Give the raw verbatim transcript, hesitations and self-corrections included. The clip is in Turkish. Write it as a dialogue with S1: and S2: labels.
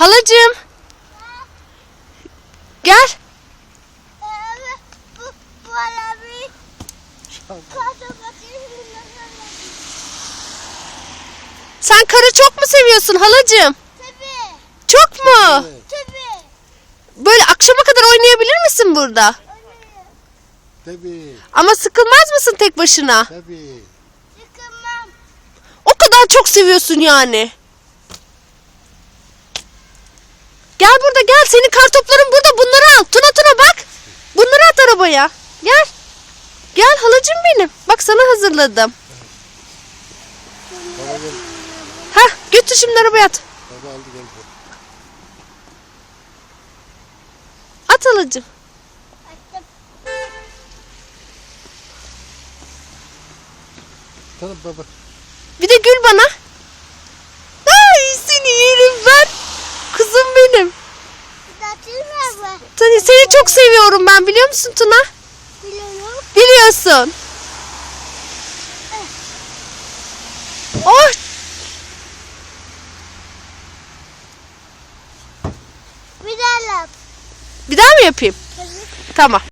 S1: Halacığım. Gel. Sen karı çok mu seviyorsun halacığım?
S2: Tabii.
S1: Çok mu?
S2: Tabii.
S1: Böyle akşama kadar oynayabilir misin burada?
S3: Tabii.
S1: Ama sıkılmaz mısın tek başına?
S3: Tabii.
S2: Sıkılmam.
S1: O kadar çok seviyorsun yani. Gel burada gel. Senin kartopların burada. Bunları al. Tuna Tuna bak. Bunları at arabaya. Gel. Gel halacığım benim. Bak sana hazırladım.
S3: Baba gel.
S1: Hah götür şimdi arabaya at.
S3: Baba aldı gel.
S1: At halacığım.
S2: Açtım.
S3: Tamam baba.
S1: Bir de gül bana. Ay seni yerim ben. Kızım benim.
S2: Zatın mı?
S1: Seni, seni çok seviyorum ben, biliyor musun Tuna?
S2: Biliyorum.
S1: Biliyorsun. Oh.
S2: Bir daha yap.
S1: Bir daha mı yapayım?
S2: Tabii.
S1: Tamam.